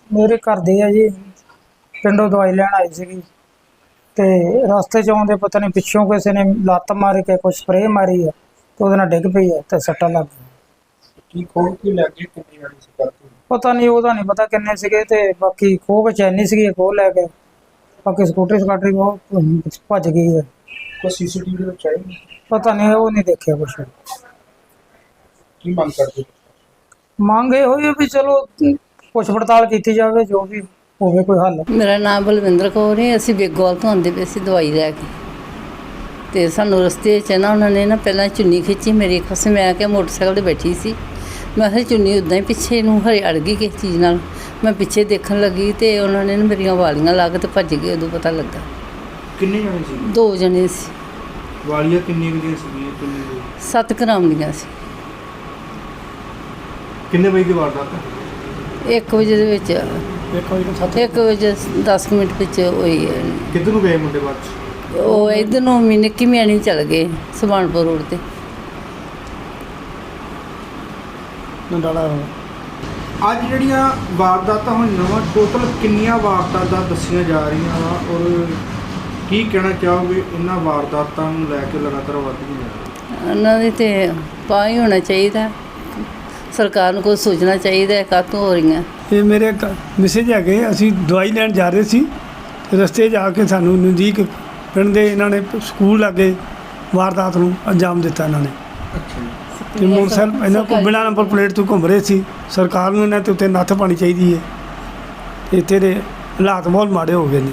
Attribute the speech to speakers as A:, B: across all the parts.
A: ਮੇਰੇ ਘਰ ਦੇ ਆ ਜੀ, ਪਿੰਡੋਂ ਦਵਾਈ ਲੈਣ ਆਈ ਸੀਗੀ ਤੇ ਰਸਤੇ 'ਚ ਆਉਂਦੇ ਪਤਾ ਨਹੀਂ ਪਿੱਛੋਂ ਕਿਸੇ ਨੇ ਲੱਤ ਮਾਰ ਕੇ ਕੋਈ ਸਪਰੇਅ ਮਾਰੀ ਆ ਤੇ ਉਹਦੇ ਨਾਲ ਡਿੱਗ ਪਈ ਆ ਤੇ ਸੱਟਾਂ ਲੱਗ ਗਈਆਂ।
B: ਕੀ ਖੋਲ ਕੇ ਲੈ ਕੇ ਕਿੰਨੀ ਵਾਰੀ ਸੀ ਕਰਦੇ
A: ਪਤਾ ਨਹੀਂ, ਉਹਦਾ ਨਹੀਂ ਪਤਾ ਕਿੰਨੇ ਸੀਗੇ ਤੇ ਬਾਕੀ ਖੋਹ ਕੇ ਚੈਨੀ ਸੀਗੀ, ਖੋਹ ਲੈ ਕੇ ਬਾਕੀ ਸਕੂਟਰੀ ਸਕਾਟਰੀ ਉਹ ਭੱਜ ਗਈ ਹੈ।
B: ਕੋਈ ਸੀਸੀਟੀਵੀ ਵਿੱਚ ਆਈ ਨਹੀਂ?
A: ਪਤਾ ਨਹੀਂ, ਉਹ ਨਹੀਂ ਦੇਖਿਆ ਕੁਛ।
B: ਕੀ ਮੰਗ ਕਰਦੇ?
A: ਮੰਗ ਇਹ ਹੋਈ ਆ ਵੀ ਚਲੋ ਪੁੱਛ ਪੜਤਾਲ ਕੀਤੀ ਜਾਵੇ, ਜੋ ਵੀ ਹੋਵੇ ਕੋਈ ਹੱਲ।
C: ਮੇਰਾ ਨਾਮ ਬਲਵਿੰਦਰ ਕੌਰ ਹੈ। ਅਸੀਂ ਬੇਗੋਵਾਲ ਤੋਂ ਆਉਂਦੇ ਪਏ ਸੀ ਦਵਾਈ ਲੈ ਕੇ, ਤੇ ਸਾਨੂੰ ਰਸਤੇ 'ਚ ਨਾ ਉਹਨਾਂ ਨੇ ਨਾ ਪਹਿਲਾਂ ਚੁੰਨੀ ਖਿੱਚੀ ਮੇਰੀ ਖਸੇ। ਮੈਂ ਕਿਹਾ ਮੋਟਰਸਾਈਕਲ 'ਤੇ ਬੈਠੀ ਸੀ, ਮੈਂ ਕਿਹਾ ਚੁੰਨੀ ਉੱਦਾਂ ਹੀ ਪਿੱਛੇ ਨੂੰ ਹਰੇ ਅੜ ਗਈ ਕਿਸੇ ਚੀਜ਼ ਨਾਲ। ਮੈਂ ਪਿੱਛੇ ਦੇਖਣ ਲੱਗੀ ਤੇ ਉਹਨਾਂ ਨੇ ਨਾ ਮੇਰੀਆਂ ਵਾਲੀਆਂ ਲਾ ਕੇ ਤੇ ਭੱਜ ਗਏ। ਉਦੋਂ ਪਤਾ ਲੱਗਾ
B: ਕਿੰਨੇ ਜਣੇ ਸੀ?
C: 2 ਜਣੇ ਸੀ।
B: ਵਾਲੀਆਂ ਕਿੰਨੀ ਦੀਆਂ ਸੀਗੀਆਂ? ਕਿੰਨੇ ਦੀ?
C: 7 ਗ੍ਰਾਮ ਦੀਆਂ ਸੀ।
B: ਕਿੰਨੇ ਵਜੇ ਦੀ ਵਾਰਦਾਤ ਹੈ?
C: 1 ਵਜੇ ਦੇ ਵਿੱਚ, 1 ਵਜੇ 10 ਮਿੰਟ ਵਿੱਚ ਹੋਈ ਹੈ।
B: ਕਿੱਧਰ ਨੂੰ ਗਏ ਮੁੰਡੇ ਬਾਅਦ 'ਚ?
C: ਉਹ ਇੱਧਰ ਨੂੰ ਨਿੱਕੀ ਮਿਆਣੀ ਚਲ ਗਏ, ਸੁਭਾਨਪੁਰ ਰੋਡ 'ਤੇ।
B: ਅੱਜ ਜਿਹੜੀਆਂ ਵਾਰਦਾਤਾਂ ਹੋਈਆਂ ਵਾ, ਟੋਟਲ ਕਿੰਨੀਆਂ ਵਾਰਦਾਤਾਂ ਦੱਸੀਆਂ ਜਾ ਰਹੀਆਂ ਵਾ ਔਰ ਕੀ ਕਹਿਣਾ ਚਾਹੋਗੇ ਇਹਨਾਂ ਵਾਰਦਾਤਾਂ ਨੂੰ ਲੈ ਕੇ ਲਗਾਤਾਰ ਵੱਧਦੀਆਂ ਜਾ ਰਹੀਆਂ?
C: ਉਹਨਾਂ ਦੀ ਤੇ ਪਾ ਹੀ ਹੋਣਾ ਚਾਹੀਦਾ, ਸਰਕਾਰ ਨੂੰ ਕੋਈ ਸੋਚਣਾ ਚਾਹੀਦਾ ਕਾਹਤੋਂ ਹੋ ਰਹੀਆਂ।
D: ਇਹ ਮੇਰੇ ਮੈਸੇਜ ਹੈਗੇ। ਅਸੀਂ ਦਵਾਈ ਲੈਣ ਜਾ ਰਹੇ ਸੀ, ਰਸਤੇ 'ਚ ਆ ਕੇ ਸਾਨੂੰ ਨਜ਼ਦੀਕ ਪਿੰਡ ਦੇ ਇਹਨਾਂ ਨੇ ਸਕੂਲ ਲਾਗੇ ਵਾਰਦਾਤ ਨੂੰ ਅੰਜਾਮ ਦਿੱਤਾ। ਇਹਨਾਂ ਨੇ ਤੇ ਮੋਟਰਸਾਈਕਲ ਇਹਨਾਂ ਕੋਲ ਬਿਨਾਂ ਨੰਬਰ ਪਲੇਟ ਤੋਂ ਘੁੰਮ ਰਹੇ ਸੀ। ਸਰਕਾਰ ਨੂੰ ਇਹਨਾਂ 'ਤੇ ਉੱਤੇ ਨੱਥ ਪਾਉਣੀ ਚਾਹੀਦੀ ਹੈ। ਇੱਥੇ ਦੇ ਹਾਲਾਤ ਬਹੁਤ ਮਾੜੇ ਹੋ ਗਏ ਨੇ।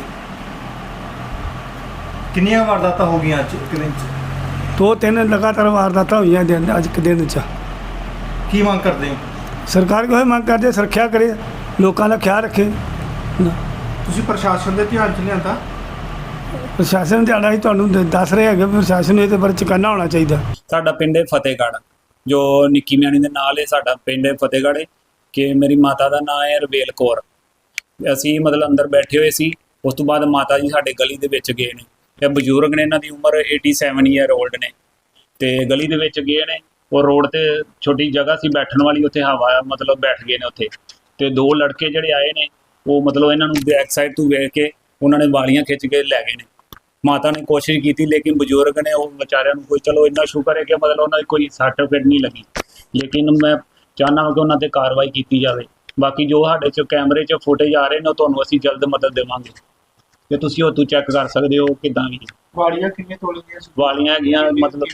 B: ਕਿੰਨੀਆਂ ਵਾਰਦਾਤਾਂ ਹੋ ਗਈਆਂ ਅੱਜ ਇੱਕ ਦਿਨ 'ਚ?
D: 2-3 ਲਗਾਤਾਰ ਵਾਰਦਾਤਾਂ ਹੋਈਆਂ ਅੱਜ ਇੱਕ ਦਿਨ 'ਚ।
B: ਕੀ ਮੰਗ ਕਰਦੇ ਹੋ?
D: ਸਰਕਾਰ ਕੋਲ ਮੰਗ ਕਰਦੇ ਸੁਰੱਖਿਆ ਕਰੇ, ਲੋਕਾਂ ਦਾ ਖਿਆਲ ਰੱਖੇ।
B: ਤੁਸੀਂ ਪ੍ਰਸ਼ਾਸਨ ਦੇ ਧਿਆਨ 'ਚ ਲਿਆਂਦਾ?
D: ਪ੍ਰਸ਼ਾਸਨ ਧਿਆਨ ਹੀ ਤੁਹਾਨੂੰ ਦੱਸ ਰਹੇ ਹੈਗੇ, ਪ੍ਰਸ਼ਾਸਨ ਨੂੰ ਇਹਦੇ ਬਾਰੇ ਚੁਕੰਨਾ ਹੋਣਾ ਚਾਹੀਦਾ।
E: ਸਾਡਾ ਪਿੰਡ ਹੈ ਫਤਿਹਗੜ੍ਹ, ਜੋ ਨਿੱਕੀ ਮਿਆਣੀ ਦੇ ਨਾਲ ਹੈ। ਸਾਡਾ ਪਿੰਡ ਹੈ ਫਤਿਹਗੜ੍ਹ ਕਿ ਮੇਰੀ ਮਾਤਾ ਦਾ ਨਾਮ ਹੈ ਰਵੇਲ ਕੌਰ। ਅਸੀਂ ਮਤਲਬ ਅੰਦਰ ਬੈਠੇ ਹੋਏ ਸੀ, ਉਸ ਤੋਂ ਬਾਅਦ ਮਾਤਾ ਜੀ ਸਾਡੇ ਗਲੀ ਦੇ ਵਿੱਚ ਗਏ ਨੇ। ਇਹ ਬਜ਼ੁਰਗ ਨੇ, ਇਹਨਾਂ ਦੀ ਉਮਰ 87 ਈਅਰ ਓਲਡ ਨੇ, ਤੇ ਗਲੀ ਦੇ ਵਿੱਚ ਗਏ ਨੇ। ਉਹ ਰੋਡ ਤੇ ਛੋਟੀ ਜਗ੍ਹਾ ਸੀ ਬੈਠਣ ਵਾਲੀ, ਉੱਥੇ ਹਵਾ ਮਤਲਬ ਬੈਠ ਗਏ ਨੇ ਉੱਥੇ। ਤੇ 2 ਲੜਕੇ ਜਿਹੜੇ ਆਏ ਨੇ, ਉਹ ਮਤਲਬ ਇਹਨਾਂ ਨੂੰ ਬੈਕ ਸਾਈਡ ਤੋਂ ਵੇਖ ਕੇ ਉਹਨਾਂ ਨੇ ਵਾਲੀਆਂ ਖਿੱਚ ਕੇ ਲੈ ਗਏ ਨੇ। ਮਾਤਾ ਨੇ ਕੋਸ਼ਿਸ਼ ਕੀਤੀ, ਲੇਕਿਨ ਬਜ਼ੁਰਗ ਨੇ, ਉਹ ਵਿਚਾਰਿਆਂ ਨੂੰ ਕੋਈ ਚਲੋ ਇੰਨਾ ਸ਼ੁਕਰ ਹੈ ਕਿ ਮਤਲਬ ਉਹਨਾਂ ਦੀ ਕੋਈ ਸੱਟ ਫੇਟ ਨਹੀਂ ਲੱਗੀ। ਲੇਕਿਨ ਮੈਂ ਚਾਹੁੰਦਾ ਹਾਂ ਕਿ ਉਹਨਾਂ 'ਤੇ ਕਾਰਵਾਈ ਕੀਤੀ ਜਾਵੇ। ਬਾਕੀ ਜੋ ਸਾਡੇ 'ਚ ਕੈਮਰੇ 'ਚ ਫੁਟੇਜ ਆ ਰਹੇ ਨੇ, ਉਹ ਤੁਹਾਨੂੰ ਅਸੀਂ ਜਲਦ ਮਦਦ ਦੇਵਾਂਗੇ ਤੇ ਤੁਸੀਂ ਉਹ ਤੋਂ ਚੈੱਕ ਕਰ ਸਕਦੇ ਹੋ ਕਿੱਦਾਂ ਵੀ।
B: ਵਾਲੀਆਂ ਕਿੰਨੇ ਤੋਲੇ ਦੀਆਂ ਸੀ?
E: ਵਾਲੀਆਂ ਹੈਗੀਆਂ ਮਤਲਬ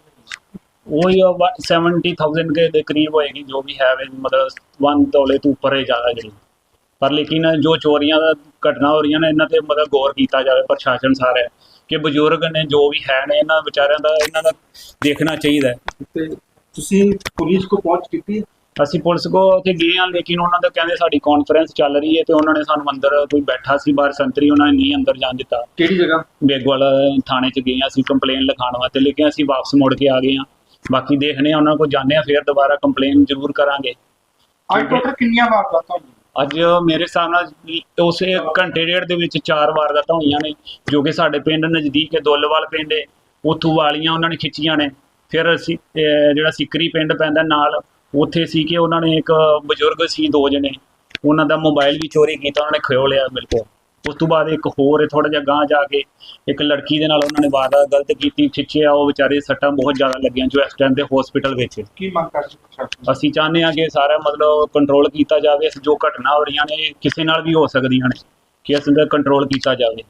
E: ਉਹੀ 70,000 ਦੇ ਕਰੀਬ ਹੋਏਗੀ, ਜੋ ਵੀ ਹੈ ਮਤਲਬ 1 ਤੋਲੇ ਤੋਂ ਉੱਪਰ ਹੈ ਜ਼ਿਆਦਾ ਜਿਹੜੀ। ਪਰ ਲੇਕਿਨ ਜੋ ਚੋਰੀਆਂ ਦਾ ਘਟਨਾ ਹੋ ਰਹੀਆਂ ਨੇ, ਇਹਨਾਂ 'ਤੇ ਮਤਲਬ ਗੌਰ ਕੀਤਾ ਜਾਵੇ ਪ੍ਰਸ਼ਾਸਨ ਸਾਰਾ, ਕਿ ਬਜ਼ੁਰਗ ਨੇ ਜੋ ਵੀ ਹੈ ਨੇ, ਇਹਨਾਂ ਵਿਚਾਰਿਆਂ ਦਾ ਇਹਨਾਂ ਦਾ ਦੇਖਣਾ ਚਾਹੀਦਾ ਹੈ।
B: ਤੇ ਤੁਸੀਂ ਪੁਲਿਸ ਕੋ ਪਹੁੰਚ ਕੀਤੀ?
E: ਅਸੀਂ ਪੁਲਿਸ ਕੋ ਉੱਥੇ ਗਏ ਹਾਂ, ਲੇਕਿਨ ਉਹਨਾਂ ਦਾ ਕਹਿੰਦੇ ਸਾਡੀ ਕਾਨਫਰੰਸ ਚੱਲ ਰਹੀ ਹੈ ਤੇ ਉਹਨਾਂ ਨੇ ਸਾਨੂੰ ਅੰਦਰ ਕੋਈ ਬੈਠਾ ਸੀ ਬਾਹਰ ਸੰਤਰੀ, ਉਹਨਾਂ ਨੇ ਨਹੀਂ ਅੰਦਰ ਜਾਣ ਦਿੱਤਾ।
B: ਕਿਹੜੀ ਜਗ੍ਹਾ?
E: ਬੇਗਵਾਲ ਥਾਣੇ 'ਚ ਗਏ ਹਾਂ ਅਸੀਂ ਕੰਪਲੇਨ ਲਿਖਾਉਣ ਵਾਸਤੇ, ਲੇਕਿਨ ਅਸੀਂ ਵਾਪਸ ਮੁੜ ਕੇ ਆ ਗਏ ਹਾਂ। ਬਾਕੀ ਦੇਖਦੇ ਹਾਂ, ਉਹਨਾਂ ਕੋਲ ਜਾਂਦੇ ਹਾਂ, ਫਿਰ ਦੁਬਾਰਾ ਕੰਪਲੇਨ ਜ਼ਰੂਰ ਕਰਾਂਗੇ।
B: ਅੱਜ ਟੋਟਲ ਕਿੰਨੀਆਂ ਵਾਰਦਾਤਾਂ ਹੋਈਆਂ?
E: ਅੱਜ ਮੇਰੇ ਹਿਸਾਬ ਨਾਲ ਉਸ 1 ਘੰਟੇ ਡੇਢ ਦੇ ਵਿੱਚ 4 ਵਾਰਦਾਤਾਂ ਹੋਈਆਂ ਨੇ, ਜੋ ਕਿ ਸਾਡੇ ਪਿੰਡ ਨਜ਼ਦੀਕ ਹੈ, ਦੁੱਲਵਾਲ ਪਿੰਡ ਹੈ, ਉੱਥੋਂ ਵਾਲੀਆਂ ਉਹਨਾਂ ਨੇ ਖਿੱਚੀਆਂ ਨੇ। ਫਿਰ ਅਸੀਂ ਜਿਹੜਾ ਸਿਕਰੀ ਪਿੰਡ ਪੈਂਦਾ ਨਾਲ, ਉੱਥੇ ਸੀ ਕਿ ਉਹਨਾਂ ਨੇ ਇੱਕ ਬਜ਼ੁਰਗ ਸੀ 2 ਜਣੇ, ਉਹਨਾਂ ਦਾ ਮੋਬਾਈਲ ਵੀ ਚੋਰੀ ਕੀਤਾ, ਉਹਨਾਂ ਨੇ ਖੋਹ ਲਿਆ ਬਿਲਕੁਲ। ਉਸ ਤੋਂ ਬਾਅਦ ਇੱਕ ਹੋਰ ਥੋੜ੍ਹਾ ਜਿਹਾ ਗਾਂਹ ਜਾ ਕੇ ਇੱਕ ਲੜਕੀ ਦੇ ਨਾਲ ਉਹਨਾਂ ਨੇ ਵਾਰਦਾਤ ਗਲਤ ਕੀਤੀ, ਖਿੱਚਿਆ, ਉਹ ਵਿਚਾਰੇ ਸੱਟਾਂ ਬਹੁਤ ਜ਼ਿਆਦਾ ਲੱਗੀਆਂ, ਜੋ ਇਸ ਟਾਈਮ ਤੇ ਹਸਪੀਟਲ ਵਿੱਚ।
B: ਕੀ ਮੰਗ ਕਰਦੇ ਪ੍ਰਸ਼ਾਸਨ?
E: ਅਸੀਂ ਚਾਹੁੰਦੇ ਹਾਂ ਕਿ ਸਾਰਾ ਮਤਲਬ ਕੰਟਰੋਲ ਕੀਤਾ ਜਾਵੇ। ਜੋ ਘਟਨਾ ਹੋ ਰਹੀਆਂ ਨੇ ਕਿਸੇ ਨਾਲ ਵੀ ਹੋ ਸਕਦੀਆਂ ਨੇ, ਕਿ ਇਸ ਦਾ ਕੰਟਰੋਲ ਕੀਤਾ ਜਾਵੇ।